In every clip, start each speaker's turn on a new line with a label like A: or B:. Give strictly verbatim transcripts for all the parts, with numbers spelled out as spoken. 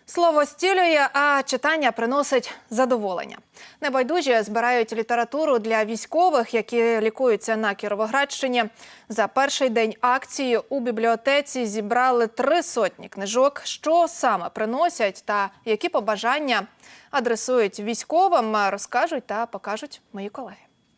A: Слово зцілює, а читання приносить задоволення. Небайдужі збирають літературу для військових, які лікуються на Кіровоградщині. За перший день акції у бібліотеці зібрали три сотні книжок. Що саме приносять та які побажання адресують військовим, розкажуть та покажуть мої колеги.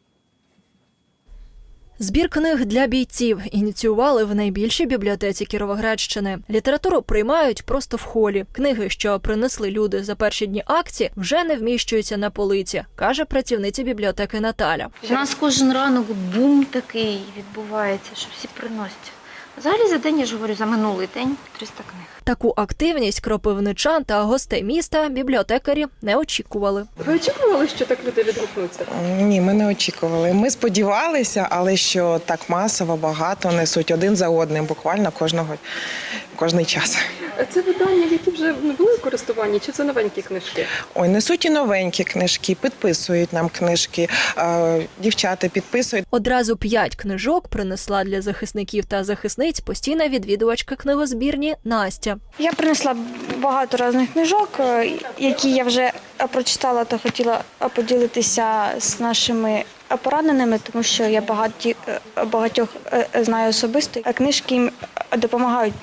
B: Збір книг для бійців ініціювали в найбільшій бібліотеці Кіровоградщини. Літературу приймають просто в холі. Книги, що принесли люди за перші дні акції, вже не вміщуються на полиці, каже працівниця бібліотеки Наталя.
C: У нас кожен ранок бум такий відбувається, що всі приносять. Взагалі за день, я ж говорю, за минулий день триста книг.
B: Таку активність кропивничан та гостей міста бібліотекарі не очікували.
D: Ви очікували, що так люди відгукнуться?
E: Ні, ми не очікували. Ми сподівалися, але що так масово, багато несуть один за одним, буквально кожного, кожний час.
D: Це видання, які вже не були в користуванні, чи це новенькі книжки?
E: Ой, несуть і новенькі книжки, підписують нам книжки, дівчата підписують.
B: Одразу п'ять книжок принесла для захисників та захисниць постійна відвідувачка книгозбірні Настя.
F: Я принесла багато різних книжок, які я вже прочитала та хотіла поділитися з нашими пораненими, тому що я багаті, багатьох знаю особисто. Книжки їм допомагають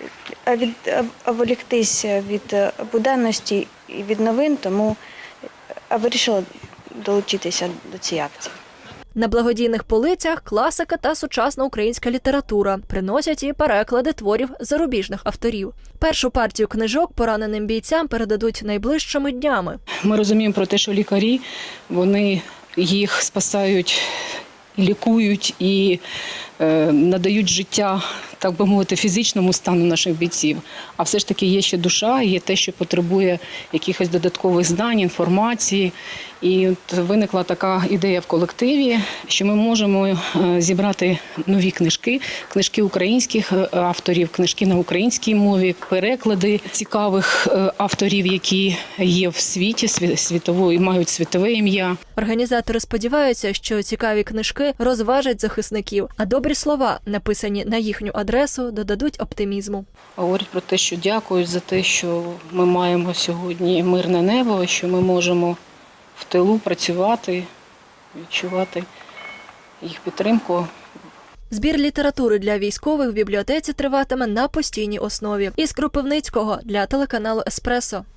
F: відволіктись від буденності і від новин, тому вирішила долучитися до цієї акції.
B: На благодійних полицях класика та сучасна українська література. Приносять і переклади творів зарубіжних авторів. Першу партію книжок пораненим бійцям передадуть найближчими днями.
G: Ми розуміємо про те, що лікарі, вони їх спасають, лікують і е, надають життя, так би мовити, фізичному стану наших бійців. А все ж таки є ще душа, є те, що потребує якихось додаткових знань, інформації. І от виникла така ідея в колективі, що ми можемо зібрати нові книжки, книжки українських авторів, книжки на українській мові, переклади цікавих авторів, які є в світі, світової, мають світове ім'я.
B: Організатори сподіваються, що цікаві книжки розважать захисників, а добрі слова, написані на їхню адресу, додадуть оптимізму.
G: Говорять про те, що дякують за те, що ми маємо сьогодні мирне небо, що ми можемо в тилу працювати, відчувати їх підтримку.
B: Збір літератури для військових в бібліотеці триватиме на постійній основі. Із Кропивницького для телеканалу «Еспресо».